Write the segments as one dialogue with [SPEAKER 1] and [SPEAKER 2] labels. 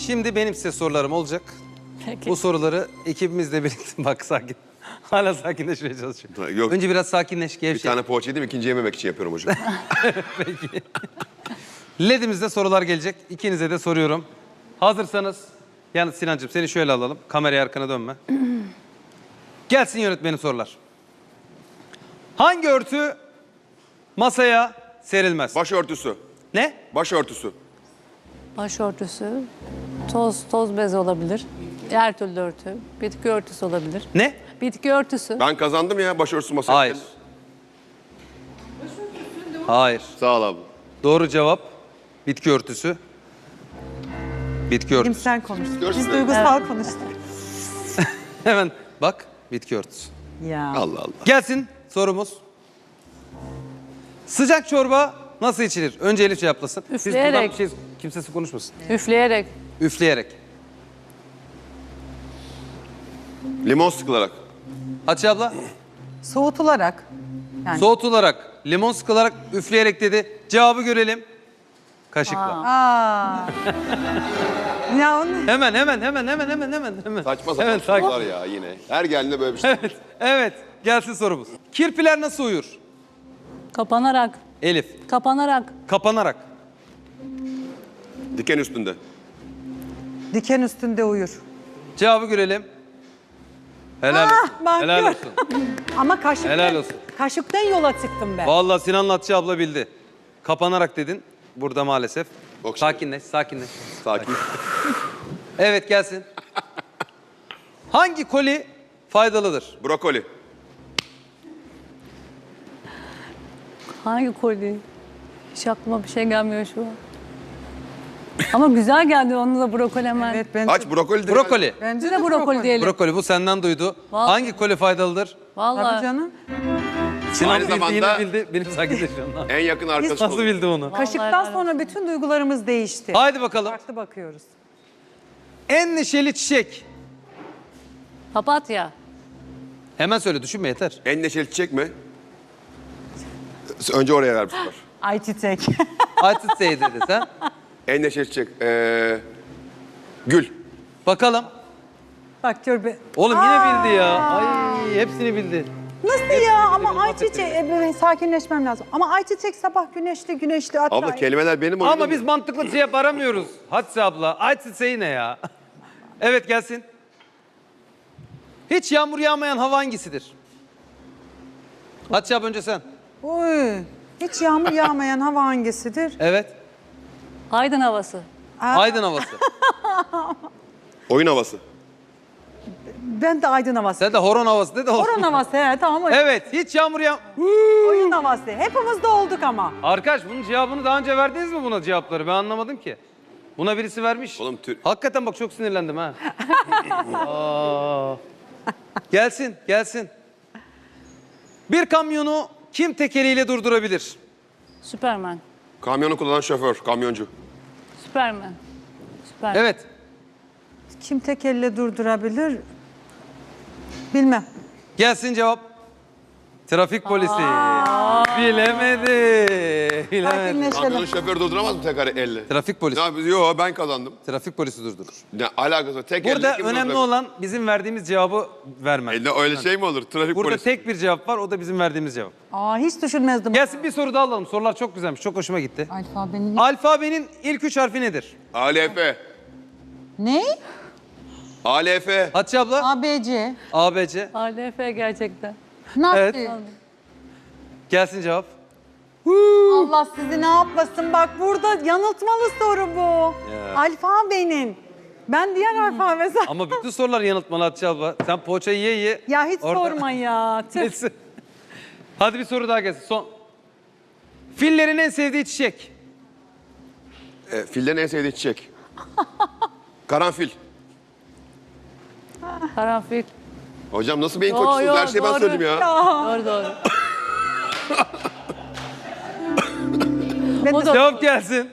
[SPEAKER 1] şimdi benim size sorularım olacak.
[SPEAKER 2] Peki.
[SPEAKER 1] Bu soruları ekibimizle birlikte... Bak sakin. Hala sakinleşmeye çalışıyor.
[SPEAKER 3] Yok.
[SPEAKER 1] Önce biraz sakinleş,
[SPEAKER 3] Bir
[SPEAKER 1] gevşe.
[SPEAKER 3] tane poğaça yedim, ikinci yememek için yapıyorum hocam.
[SPEAKER 1] LED'imizde sorular gelecek. İkinize de soruyorum. Hazırsanız, yalnız Sinancığım seni şöyle alalım. Kameraya arkana dönme. Gelsin yönetmenin sorular. Hangi örtü masaya serilmez?
[SPEAKER 3] Başörtüsü.
[SPEAKER 1] Ne?
[SPEAKER 3] Başörtüsü.
[SPEAKER 2] Başörtüsü, toz bez olabilir. Her türlü örtü. Bitki örtüsü olabilir.
[SPEAKER 1] Ne?
[SPEAKER 2] Bitki örtüsü.
[SPEAKER 3] Ben kazandım ya başörtüsü masaya.
[SPEAKER 1] Hayır. Hayır.
[SPEAKER 3] Sağ ol abi.
[SPEAKER 1] Doğru cevap bitki örtüsü. Bitki örtüsü.
[SPEAKER 4] Sen konuş.
[SPEAKER 3] Görsün
[SPEAKER 4] Biz
[SPEAKER 3] de.
[SPEAKER 4] duygusal konuştuk.
[SPEAKER 1] Hemen bak bitki örtüsü.
[SPEAKER 4] Ya.
[SPEAKER 3] Allah Allah.
[SPEAKER 1] Gelsin sorumuz. Sıcak çorba nasıl içilir? Önce Elif cevaplasın. Siz
[SPEAKER 2] Üfleyerek.
[SPEAKER 1] buradan bir şey, kimsesi konuşmasın.
[SPEAKER 2] Üfleyerek.
[SPEAKER 1] Üfleyerek.
[SPEAKER 3] Limon sıkılarak.
[SPEAKER 1] Hatice abla.
[SPEAKER 4] Soğutularak. Yani.
[SPEAKER 1] Soğutularak, limon sıkılarak, üfleyerek dedi. Cevabı görelim. Kaşıkla.
[SPEAKER 4] Aa. Ya onu...
[SPEAKER 1] Hemen.
[SPEAKER 3] Saçma
[SPEAKER 1] Hemen
[SPEAKER 3] sapan
[SPEAKER 1] sakin.
[SPEAKER 3] sorular ya yine. Her geldiğinde böyle bir şey.
[SPEAKER 1] Evet. Gelsin sorumuz. Kirpiler nasıl uyur?
[SPEAKER 2] Kapanarak.
[SPEAKER 1] Elif.
[SPEAKER 2] Kapanarak.
[SPEAKER 1] Kapanarak.
[SPEAKER 3] Diken üstünde.
[SPEAKER 4] Diken üstünde uyur.
[SPEAKER 1] Cevabı görelim. Helal olsun.
[SPEAKER 4] bak
[SPEAKER 1] Helal
[SPEAKER 4] gör.
[SPEAKER 1] olsun.
[SPEAKER 4] Ama kaşıktan,
[SPEAKER 1] Helal olsun.
[SPEAKER 4] kaşıktan yola çıktım ben.
[SPEAKER 1] Vallahi Sinan'la Hatice abla bildi. Kapanarak dedin. Burada maalesef.
[SPEAKER 3] Bak şimdi.
[SPEAKER 1] Sakinleş.
[SPEAKER 3] Sakin.
[SPEAKER 1] Evet gelsin. Hangi koli faydalıdır?
[SPEAKER 3] Brokoli.
[SPEAKER 2] Hangi koli? Hiç aklıma bir şey gelmiyor şu an. Ama güzel geldi onunla da brokoli hemen.
[SPEAKER 4] Evet ben
[SPEAKER 3] Aç brokoli. de-
[SPEAKER 1] Brokoli.
[SPEAKER 4] bence
[SPEAKER 2] Biz de brokoli diyelim.
[SPEAKER 1] Brokoli bu senden duydu.
[SPEAKER 2] Vallahi.
[SPEAKER 1] Hangi koli faydalıdır?
[SPEAKER 4] Tabii
[SPEAKER 2] Vallahi.
[SPEAKER 4] canım.
[SPEAKER 1] Sinan
[SPEAKER 3] Aynı
[SPEAKER 1] bildi,
[SPEAKER 3] zamanda-
[SPEAKER 1] yine bildi. Benim sakinleşiyorum.
[SPEAKER 3] En yakın arkadaşı
[SPEAKER 1] Nasıl
[SPEAKER 3] olur.
[SPEAKER 1] bildi onu?
[SPEAKER 4] Kaşıktan
[SPEAKER 2] helal
[SPEAKER 4] sonra bütün duygularımız değişti.
[SPEAKER 1] Haydi bakalım.
[SPEAKER 4] Farklı bakıyoruz.
[SPEAKER 1] En neşeli çiçek.
[SPEAKER 2] Papatya.
[SPEAKER 1] Hemen söyle düşünme yeter.
[SPEAKER 3] En neşeli çiçek mi? Önce oraya ver bu sefer.
[SPEAKER 4] Ayçiçek.
[SPEAKER 1] Ayçiçeği dedi sen.
[SPEAKER 3] En neşeli çiçek. Gül.
[SPEAKER 1] Bakalım.
[SPEAKER 4] Bak gör be.
[SPEAKER 1] Oğlum yine bildi ya. Ay hepsini bildi.
[SPEAKER 4] Nasıl ya? Ama
[SPEAKER 1] benim
[SPEAKER 4] ayçiçek, böyle sakinleşmem lazım. Ama ayçiçek sabah güneşli. Hatta
[SPEAKER 3] Abla kelimeler benim oyunum.
[SPEAKER 1] Ama biz mantıklı cevap aramıyoruz. Hatice abla. Ayçiçeği ne ya? Evet gelsin. Hiç yağmur yağmayan hava hangisidir? Hatice abla önce sen.
[SPEAKER 4] Uy. Hiç yağmur yağmayan hava hangisidir?
[SPEAKER 1] Evet.
[SPEAKER 2] Aydın havası.
[SPEAKER 1] Aydın havası.
[SPEAKER 3] Oyun havası.
[SPEAKER 4] Ben de aydın havası.
[SPEAKER 1] Sen de horon havası de de olsun.
[SPEAKER 4] Horon havası he tamam.
[SPEAKER 1] Evet hiç yağmur
[SPEAKER 4] Oyun havası. Hepimiz de olduk ama.
[SPEAKER 1] Arkadaş bunun cevabını daha önce verdiniz mi buna cevapları? Ben anlamadım ki. Buna birisi vermiş.
[SPEAKER 3] Oğlum
[SPEAKER 1] Hakikaten bak çok sinirlendim ha. Aa. Gelsin. Bir kamyonu kim tekeriyle durdurabilir?
[SPEAKER 2] Süpermen.
[SPEAKER 3] kamyonu kullanan şoför, kamyoncu.
[SPEAKER 2] Süpermen. Süpermen.
[SPEAKER 1] Evet.
[SPEAKER 4] Kim tek elle durdurabilir? Bilmem.
[SPEAKER 1] Gelsin cevap. Trafik polisi. Bilemedi.
[SPEAKER 3] Kamyonun
[SPEAKER 4] Sakinleşelim.
[SPEAKER 3] şoförü durduramaz mı tekrar elle?
[SPEAKER 1] Trafik polisi.
[SPEAKER 3] Ne yapıyoruz? Yo ben kazandım.
[SPEAKER 1] Trafik polisi durdurur.
[SPEAKER 3] Ne alakası var? Tek
[SPEAKER 1] Burada
[SPEAKER 3] elle kim
[SPEAKER 1] önemli
[SPEAKER 3] durdurabilir?
[SPEAKER 1] olan bizim verdiğimiz cevabı vermek.
[SPEAKER 3] Öyle şey mi olur? Trafik
[SPEAKER 1] Burada
[SPEAKER 3] polisi.
[SPEAKER 1] tek bir cevap var, o da bizim verdiğimiz cevap.
[SPEAKER 4] Aa hiç düşünmezdim.
[SPEAKER 1] Gelsin bir soru daha alalım. Sorular çok güzelmiş, çok hoşuma gitti.
[SPEAKER 4] Alfabenin...
[SPEAKER 1] Alfabenin ilk 3 harfi nedir?
[SPEAKER 3] ALF.
[SPEAKER 4] Ne?
[SPEAKER 3] ALF.
[SPEAKER 1] Hatice abla?
[SPEAKER 4] ABC.
[SPEAKER 1] ABC.
[SPEAKER 2] ALF gerçekten.
[SPEAKER 4] Nasıl?
[SPEAKER 1] Evet. Gelsin cevap.
[SPEAKER 4] Allah sizi ne yapmasın bak burada yanıltmalı soru bu. Alfabenin. Ben diğer alfabe
[SPEAKER 1] Ama bütün sorular yanıltmalı Hatice abla. Sen poğaçayı ye.
[SPEAKER 4] Ya hiç
[SPEAKER 1] Orada-
[SPEAKER 4] sorma ya. Tüh.
[SPEAKER 1] Neyse. Hadi bir soru daha gelsin. Son. Fillerin en sevdiği çiçek.
[SPEAKER 3] Fillerin en sevdiği çiçek. Karanfil.
[SPEAKER 2] Karanfil.
[SPEAKER 3] Hocam nasıl beyin
[SPEAKER 2] Yo,
[SPEAKER 3] koçusunuz?
[SPEAKER 2] yo,
[SPEAKER 3] Her şeyi ben
[SPEAKER 2] doğru.
[SPEAKER 3] söyledim ya.
[SPEAKER 2] Doğru.
[SPEAKER 4] Ben
[SPEAKER 2] O
[SPEAKER 4] de,
[SPEAKER 2] da-
[SPEAKER 1] Cevap gelsin.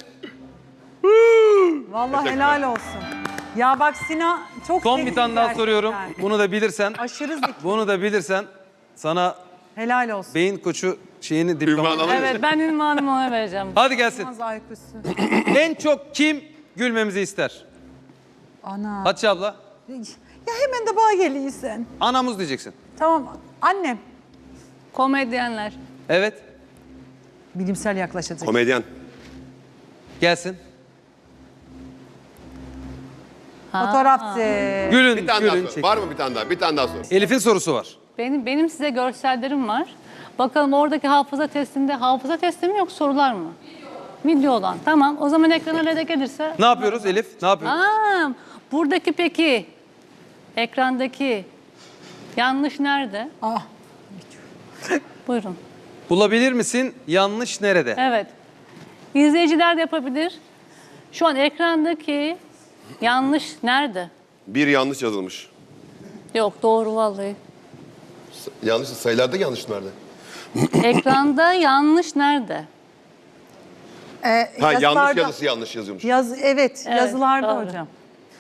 [SPEAKER 4] vallahi helal olsun. Ya bak Sinan çok
[SPEAKER 1] Son
[SPEAKER 4] zeki
[SPEAKER 1] bir tane daha
[SPEAKER 4] gerçekten.
[SPEAKER 1] soruyorum. Bunu da bilirsen.
[SPEAKER 4] Aşırı zeki.
[SPEAKER 1] Bunu da bilirsen sana
[SPEAKER 4] Helal olsun.
[SPEAKER 1] beyin koçu şeyini
[SPEAKER 3] Ünvan
[SPEAKER 1] diploma.
[SPEAKER 3] alır mısın?
[SPEAKER 2] Evet ben ünvanımı ona vereceğim.
[SPEAKER 1] Hadi gelsin.
[SPEAKER 4] Az IQ'su.
[SPEAKER 1] En çok kim gülmemizi ister?
[SPEAKER 4] Ana.
[SPEAKER 1] Hatice abla.
[SPEAKER 4] Ya hemen de bana geliyorsun.
[SPEAKER 1] Anamuz diyeceksin.
[SPEAKER 4] Tamam. Annem.
[SPEAKER 2] Komedyenler.
[SPEAKER 1] Evet.
[SPEAKER 4] Bilimsel yaklaşacak.
[SPEAKER 3] Komedyen.
[SPEAKER 1] Gelsin.
[SPEAKER 4] Fotoğrafçı.
[SPEAKER 1] Gülün,
[SPEAKER 3] Bir tane daha
[SPEAKER 1] gülün.
[SPEAKER 3] sor.
[SPEAKER 1] Çek.
[SPEAKER 3] Var mı bir tane daha? Bir tane daha sor.
[SPEAKER 1] Elif'in sorusu var.
[SPEAKER 2] Benim size görsellerim var. Bakalım oradaki hafıza testi mi yok sorular mı? Video olan. Tamam. O zaman ekrana ne de gelirse.
[SPEAKER 1] Ne yapıyoruz Elif? Ne yapıyoruz?
[SPEAKER 2] Buradaki peki ekrandaki yanlış nerede?
[SPEAKER 4] Ah.
[SPEAKER 2] Buyurun.
[SPEAKER 1] Bulabilir misin? Yanlış nerede?
[SPEAKER 2] Evet. İzleyiciler de yapabilir. Şu an ekrandaki yanlış nerede?
[SPEAKER 3] Bir yanlış yazılmış.
[SPEAKER 2] Yok doğru vallahi.
[SPEAKER 3] Yanlış sayılarda yanlış nerede?
[SPEAKER 2] Ekranda yanlış nerede?
[SPEAKER 3] Ha
[SPEAKER 4] Yazılarda-
[SPEAKER 3] yanlış yazısı yanlış yazılmış.
[SPEAKER 4] Evet, yazılarda
[SPEAKER 2] doğru.
[SPEAKER 4] hocam.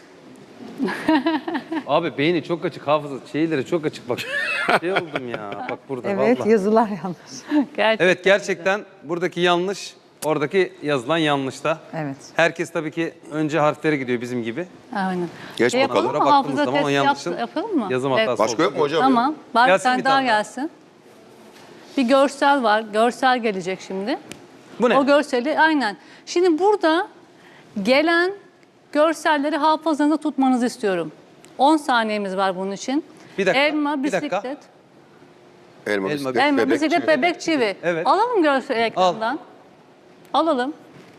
[SPEAKER 1] Abi beyni çok açık, hafıza şeyleri çok açık bak. Şey oldum ya bak burada
[SPEAKER 4] Evet,
[SPEAKER 1] vallahi.
[SPEAKER 4] yazılar yanlış.
[SPEAKER 2] Gerçekten.
[SPEAKER 1] Evet gerçekten buradaki yanlış, oradaki yazılan yanlış da.
[SPEAKER 4] Evet.
[SPEAKER 1] Herkes tabii ki önce harflere gidiyor bizim gibi.
[SPEAKER 2] Aynen.
[SPEAKER 3] Geç bakalım.
[SPEAKER 2] Yapalım mı?
[SPEAKER 1] Sonra baktığımız
[SPEAKER 2] Hafıza
[SPEAKER 1] zaman o
[SPEAKER 2] testi
[SPEAKER 1] yanlışın
[SPEAKER 2] yapalım mı?
[SPEAKER 1] yazım hatası
[SPEAKER 3] Başka yok mu hocam?
[SPEAKER 2] Tamam. Bari bir
[SPEAKER 1] Gelsin
[SPEAKER 2] tane
[SPEAKER 1] bir
[SPEAKER 2] daha
[SPEAKER 1] tane daha.
[SPEAKER 2] gelsin. Bir görsel var. Görsel gelecek şimdi.
[SPEAKER 1] Bu ne?
[SPEAKER 2] O görseli aynen. Şimdi burada gelen görselleri hafızanızda tutmanızı istiyorum. 10 saniyemiz var bunun için.
[SPEAKER 1] Bir dakika,
[SPEAKER 2] Elma,
[SPEAKER 1] bir dakika.
[SPEAKER 2] bisiklet.
[SPEAKER 3] Elma,
[SPEAKER 1] Elma,
[SPEAKER 3] bisiklet,
[SPEAKER 2] Elma,
[SPEAKER 3] bebek,
[SPEAKER 2] bisiklet,
[SPEAKER 3] çivi.
[SPEAKER 2] bebek, çivi.
[SPEAKER 1] Evet.
[SPEAKER 2] Alalım görseli ekrandan. Alalım.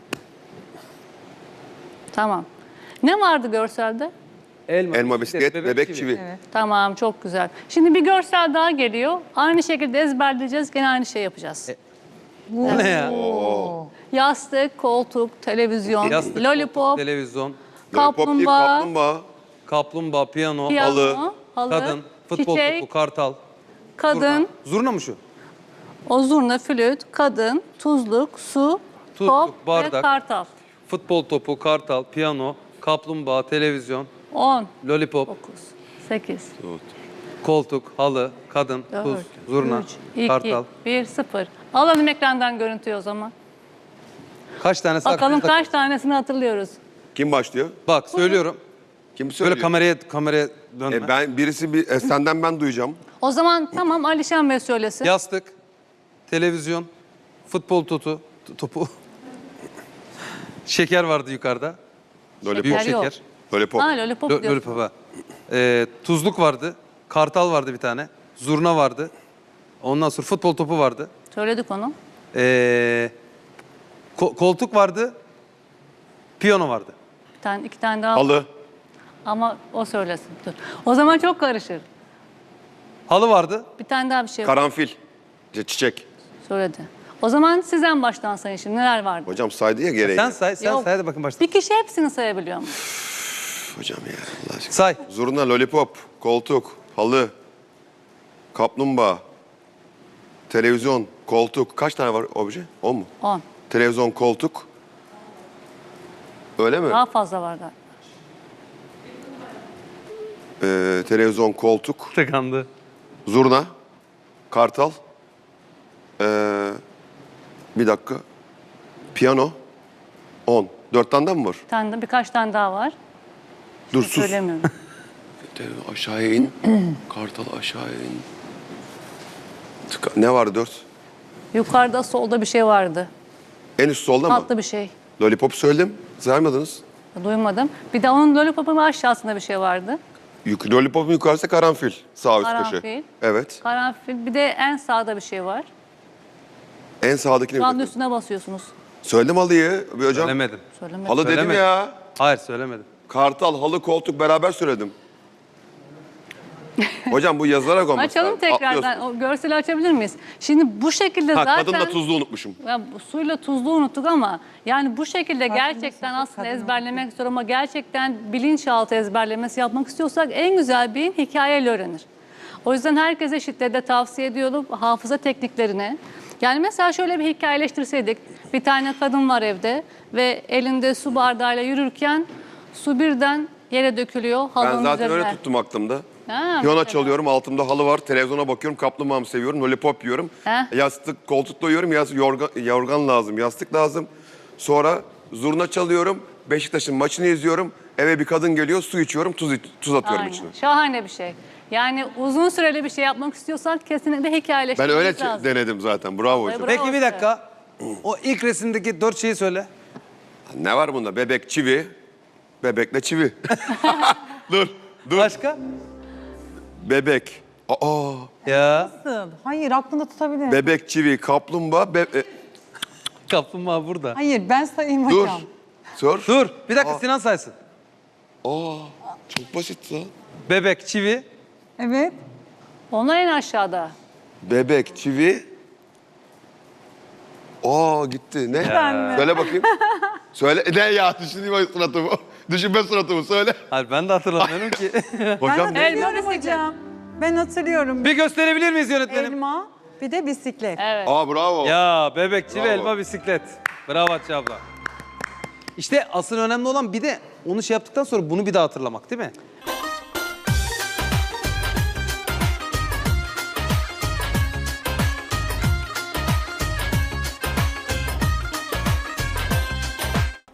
[SPEAKER 2] Tamam. Ne vardı görselde?
[SPEAKER 3] Elma, bisiklet, bebek, çivi.
[SPEAKER 2] Tamam, çok güzel. Şimdi bir görsel daha geliyor. Aynı şekilde ezberleyeceğiz. Gene aynı şey yapacağız.
[SPEAKER 1] Bu ne ya?
[SPEAKER 2] Yastık, koltuk, televizyon,
[SPEAKER 1] Yastık,
[SPEAKER 2] lollipop,
[SPEAKER 1] televizyon,
[SPEAKER 3] Lollipop değil,
[SPEAKER 2] kaplumbağa,
[SPEAKER 3] kaplumbağa.
[SPEAKER 1] kaplumbağa, piyano,
[SPEAKER 2] piyano, halı,
[SPEAKER 1] kadın, futbol
[SPEAKER 2] çiçek,
[SPEAKER 1] topu, kartal.
[SPEAKER 2] kadın,
[SPEAKER 1] Zurna mı şu?
[SPEAKER 2] o zurna, flüt, kadın, tuzluk, su,
[SPEAKER 1] Tuzluk,
[SPEAKER 2] top ve
[SPEAKER 1] bardak.
[SPEAKER 2] kartal.
[SPEAKER 1] Futbol topu, kartal, piyano, kaplumbağa, televizyon,
[SPEAKER 2] 10,
[SPEAKER 1] lollipop,
[SPEAKER 2] 9, 8,
[SPEAKER 1] koltuk, halı, kadın,
[SPEAKER 2] 4,
[SPEAKER 1] tuz, zurna,
[SPEAKER 2] 3, 2,
[SPEAKER 1] kartal.
[SPEAKER 2] 1, 0. Alalım ekrandan görüntüyü o zaman.
[SPEAKER 1] Kaç tanesi
[SPEAKER 2] Bakalım
[SPEAKER 1] aklınızda?
[SPEAKER 2] kaç tanesini hatırlıyoruz.
[SPEAKER 3] Kim başlıyor?
[SPEAKER 1] Bak söylüyorum.
[SPEAKER 3] Kim söylüyor?
[SPEAKER 1] Böyle kameraya dönme.
[SPEAKER 3] Ben birisi senden ben duyacağım.
[SPEAKER 2] O zaman tamam Alişan Bey söylesin.
[SPEAKER 1] Yastık, televizyon, futbol topu. Şeker vardı yukarıda.
[SPEAKER 3] Lollipop.
[SPEAKER 1] Büyük
[SPEAKER 2] Şeker yok.
[SPEAKER 1] şeker.
[SPEAKER 3] Lollipop.
[SPEAKER 2] Ha lollipop diyorsun.
[SPEAKER 1] Lollipop ha. Tuzluk vardı. Kartal vardı bir tane. Zurna vardı. Ondan sonra futbol topu vardı.
[SPEAKER 2] Söyledik onu.
[SPEAKER 1] Koltuk vardı. Piyano vardı.
[SPEAKER 2] Bir tane, iki tane daha.
[SPEAKER 3] Halı.
[SPEAKER 2] Ama o söylesin. Dur. O zaman çok karışır.
[SPEAKER 1] Halı vardı.
[SPEAKER 2] Bir tane daha bir şey
[SPEAKER 3] Karanfil. Çiçek.
[SPEAKER 2] söyledi. O zaman sizden baştan sayın şimdi neler vardı?
[SPEAKER 3] Hocam saydı ya gereği.
[SPEAKER 1] Sen say
[SPEAKER 2] Yok.
[SPEAKER 1] hadi bakın başla.
[SPEAKER 2] Bir kişi hepsini sayabiliyor mu?
[SPEAKER 3] Hocam ya Allah aşkına.
[SPEAKER 1] Say.
[SPEAKER 3] Zurna, lollipop, koltuk, halı, kaplumbağa, televizyon, koltuk. Kaç tane var obje? 10 mu?
[SPEAKER 2] 10.
[SPEAKER 3] Televizyon, koltuk. Öyle mi?
[SPEAKER 2] Daha fazla var galiba.
[SPEAKER 3] Televizyon, koltuk,
[SPEAKER 1] Tıkandı.
[SPEAKER 3] zurna, kartal. Bir dakika. Piyano. 10. 4 tane de mi var?
[SPEAKER 2] Bir tane de, birkaç tane daha var.
[SPEAKER 3] Dur sus.
[SPEAKER 2] Söylemiyorum.
[SPEAKER 3] Aşağıya in. Kartal aşağıya in. Ne vardı 4?
[SPEAKER 2] Yukarıda solda bir şey vardı.
[SPEAKER 3] En üst solda mı?
[SPEAKER 2] Tatlı bir şey.
[SPEAKER 3] Lollipop söyledim. Saymadınız.
[SPEAKER 2] Duymadım. Bir de onun lollipopun aşağısında bir şey vardı.
[SPEAKER 3] Lollipop'un yukarısı karanfil. Sağ üst köşe.
[SPEAKER 2] Karanfil.
[SPEAKER 3] Evet.
[SPEAKER 2] Karanfil. Bir de en sağda bir şey var.
[SPEAKER 3] En sağdakine
[SPEAKER 2] Şu
[SPEAKER 3] bir
[SPEAKER 2] anda
[SPEAKER 3] bakın.
[SPEAKER 2] üstüne basıyorsunuz.
[SPEAKER 3] Söyledim halıyı. Bir hocam.
[SPEAKER 1] Söylemedim.
[SPEAKER 2] Söylemedim.
[SPEAKER 3] Halı dedim
[SPEAKER 1] Söylemedim.
[SPEAKER 3] ya.
[SPEAKER 1] Hayır söylemedim.
[SPEAKER 3] Kartal, halı, koltuk beraber söyledim. Hocam bu yazılarak olması
[SPEAKER 2] Açalım
[SPEAKER 3] lazım.
[SPEAKER 2] tekrardan.
[SPEAKER 3] Atlıyorsun.
[SPEAKER 2] O görseli açabilir miyiz? Şimdi bu şekilde
[SPEAKER 3] Ha,
[SPEAKER 2] zaten...
[SPEAKER 3] kadınla tuzlu unutmuşum.
[SPEAKER 2] Ya bu suyla tuzlu unuttuk ama yani bu şekilde gerçekten aslında ezberlemek zor ama gerçekten bilinçaltı ezberlemesi yapmak istiyorsak en güzel beyin hikayeyle öğrenir. O yüzden herkese şiddetle tavsiye ediyorum hafıza tekniklerini. Yani mesela şöyle bir hikayeleştirseydik. Bir tane kadın var evde ve elinde su bardağıyla yürürken su birden yere dökülüyor
[SPEAKER 3] Ben
[SPEAKER 2] halının
[SPEAKER 3] zaten
[SPEAKER 2] üzerine.
[SPEAKER 3] öyle tuttum aklımda.
[SPEAKER 2] Ha,
[SPEAKER 3] Piyano
[SPEAKER 2] mesela.
[SPEAKER 3] çalıyorum, altımda halı var, televizyona bakıyorum, kaplumbağamı seviyorum, lollipop yiyorum.
[SPEAKER 2] Heh.
[SPEAKER 3] Yastık, koltukta uyuyorum, yorgan lazım, yastık lazım. Sonra zurna çalıyorum, Beşiktaş'ın maçını izliyorum, eve bir kadın geliyor, su içiyorum, tuz atıyorum
[SPEAKER 2] Aynen.
[SPEAKER 3] içine.
[SPEAKER 2] Şahane bir şey. Yani uzun süreli bir şey yapmak istiyorsak kesinlikle
[SPEAKER 3] Ben
[SPEAKER 2] hikayeleştirmemiz
[SPEAKER 3] öyle
[SPEAKER 2] lazım.
[SPEAKER 3] denedim zaten. Bravo hocam.
[SPEAKER 2] Bravo.
[SPEAKER 1] Peki bir dakika. O ilk resimdeki 4 şeyi söyle.
[SPEAKER 3] Ne var bunda? Bebek, çivi. Bebekle çivi. dur.
[SPEAKER 1] Başka?
[SPEAKER 3] Bebek. Aa.
[SPEAKER 1] Ya.
[SPEAKER 4] Nasıl? Hayır aklında tutabilir.
[SPEAKER 3] Bebek, çivi, kaplumbağa.
[SPEAKER 1] Kaplumbağa burada.
[SPEAKER 4] Hayır ben sayayım
[SPEAKER 3] Dur.
[SPEAKER 4] hocam.
[SPEAKER 3] Sor.
[SPEAKER 1] Dur. Bir dakika Sinan saysın.
[SPEAKER 3] Aa. Çok basit lan.
[SPEAKER 1] Bebek, çivi.
[SPEAKER 4] Evet.
[SPEAKER 2] Onlar en aşağıda.
[SPEAKER 3] Bebek, çivi. Aa gitti. Ne?
[SPEAKER 4] Ben mi?
[SPEAKER 3] Söyle bakayım. Söyle. Ne ya? Düşüneyim suratımı. Düşünme suratımı. Söyle.
[SPEAKER 1] Hayır ben de hatırlamıyorum ki.
[SPEAKER 3] Hocam
[SPEAKER 4] Ben
[SPEAKER 3] ne?
[SPEAKER 4] hatırlıyorum
[SPEAKER 2] Elma,
[SPEAKER 4] hocam. Ben hatırlıyorum.
[SPEAKER 1] Bir gösterebilir miyiz yönetmenim?
[SPEAKER 4] Elma bir de bisiklet.
[SPEAKER 2] Evet.
[SPEAKER 3] Aa bravo.
[SPEAKER 1] Ya bebek, çivi,
[SPEAKER 3] Bravo.
[SPEAKER 1] elma, bisiklet. Bravo Hatice abla. İşte asıl önemli olan bir de onu şey yaptıktan sonra bunu bir daha hatırlamak değil mi?